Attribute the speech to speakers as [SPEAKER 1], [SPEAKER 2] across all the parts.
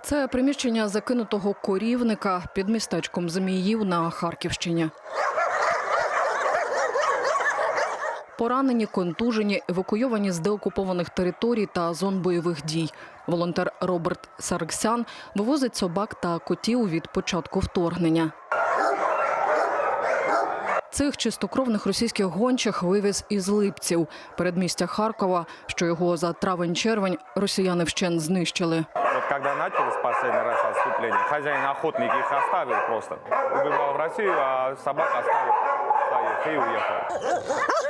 [SPEAKER 1] Це приміщення закинутого корівника під містечком Зміїв на Харківщині. Поранені, контужені, евакуйовані з деокупованих територій та зон бойових дій. Волонтер Роберт Саргсян вивозить собак та котів від початку вторгнення. Цих чистокровних російських гончих вивіз із Липців, передмістя Харкова, що його за травень-червень росіяни вщент знищили.
[SPEAKER 2] Коли почалось последний раз відступлення, хазяїн охотник їх оставив просто. Убігав в Росію, а собак оставив своїх і уїхав.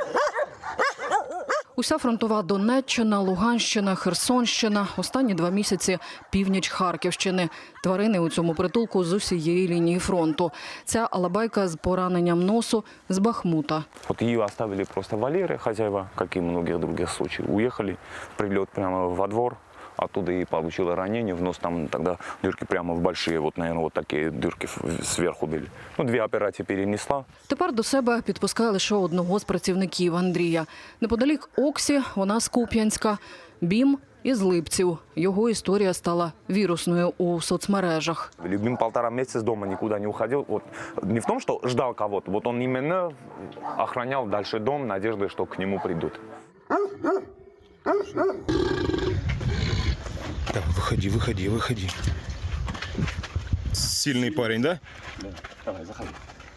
[SPEAKER 1] Уся фронтова Донеччина, Луганщина, Херсонщина, останні 2 місяці – північ Харківщини. Тварини у цьому притулку з усієї лінії фронту. Ця алабайка з пораненням носу з Бахмута.
[SPEAKER 2] Вот ее оставили просто Валеры, хозяева, как и многих других случаев. Уехали, прилет прямо во двор. Оттуда и получила ранение в нос, там тогда дырки прямо в большие, вот, наверное, вот такие дырки сверху были. Ну, 2 операції перенесла.
[SPEAKER 1] Тепер до себе підпускає лише одного з працівників – Андрія. Неподалік Оксі, вона з Куп'янська, Бім із Липців. Його історія стала вірусною у соцмережах.
[SPEAKER 2] Любим 1,5 месяца с дома никуда не уходил. Вот, не в том, что ждал кого-то, вот он именно охранял дальше дом, надеждой, что к нему придут.
[SPEAKER 3] Так, выходи. Сильный парень, да?
[SPEAKER 2] Да. Давай, заходи.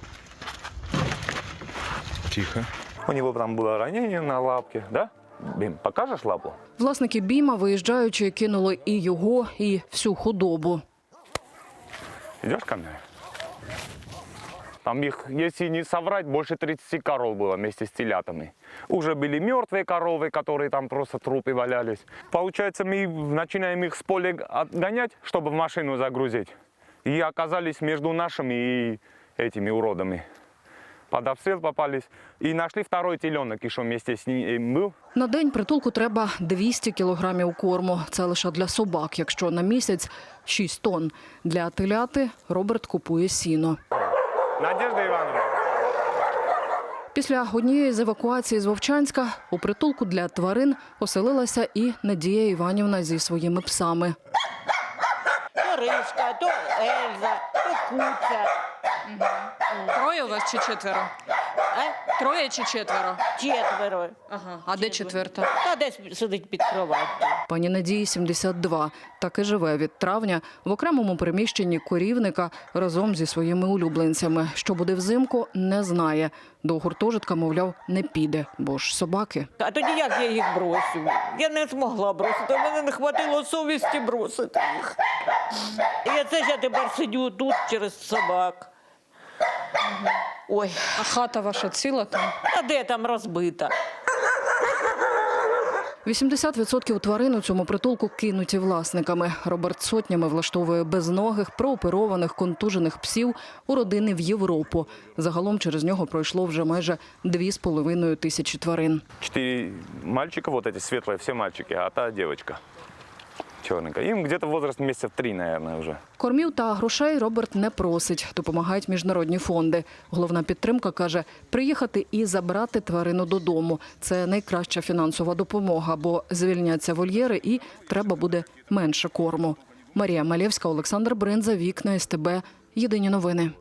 [SPEAKER 3] Тихо.
[SPEAKER 2] У него там было ранение на лапке, да? Бим, покажешь лапу?
[SPEAKER 1] Власники Біма, виїжджаючи, кинули і його, і всю худобу.
[SPEAKER 2] Идешь ко мне? Там их, если не соврать, больше 30 коров было вместе с телятами. Уже были мертвые коровы, которые там просто трупы валялись. Получается, мы начинаем их с поля отгонять, чтобы в машину загрузить. И оказались между нашими и этими уродами. Под обстрел попались. И нашли второй теленок, еще вместе с ним был.
[SPEAKER 1] На день притулку треба 200 кілограмів корму. Це лише для собак, якщо на місяць – 6 тонн. Для теляти Роберт купує сіно.
[SPEAKER 2] Надежда Ивановна.
[SPEAKER 1] Після однієї з евакуацій з Вовчанська у притулку для тварин оселилася і Надія Іванівна зі своїми псами.
[SPEAKER 4] То Ришка, то Ельза, то Куця.
[SPEAKER 5] Троє у вас чи 4?
[SPEAKER 4] А?
[SPEAKER 5] 3 чи 4?
[SPEAKER 4] 4.
[SPEAKER 5] Ага. А де 4?
[SPEAKER 4] Та десь сидить під кроваттю.
[SPEAKER 1] Пані Надії 72. Так і живе від травня в окремому приміщенні корівника разом зі своїми улюбленцями. Що буде взимку, не знає. До гуртожитка, мовляв, не піде, бо ж собаки.
[SPEAKER 4] А тоді як я їх бросю? Я не змогла бросити, в мене не хватило совісті бросити їх. І це ж я тепер сидю тут через собак. Ой,
[SPEAKER 5] А хата ваша ціла там?
[SPEAKER 4] а де там розбита?
[SPEAKER 1] 80% тварин у цьому притулку кинуті власниками. Роберт сотнями влаштовує безногих, прооперованих, контужених псів у родини в Європу. Загалом через нього пройшло вже майже 2,5 тисячі тварин.
[SPEAKER 2] 4 мальчика, вот эти светлые, все мальчики, а та девочка черненькая. Им где-то возраст месяцев 3, наверное, уже.
[SPEAKER 1] Кормів та грошей Роберт не просить. Допомагають міжнародні фонди. Головна підтримка, каже, приїхати і забрати тварину додому. Це найкраща фінансова допомога, бо звільняться вольєри і треба буде менше корму. Марія Малєвська, Олександр Бринза, Вікна СТБ. Єдині новини.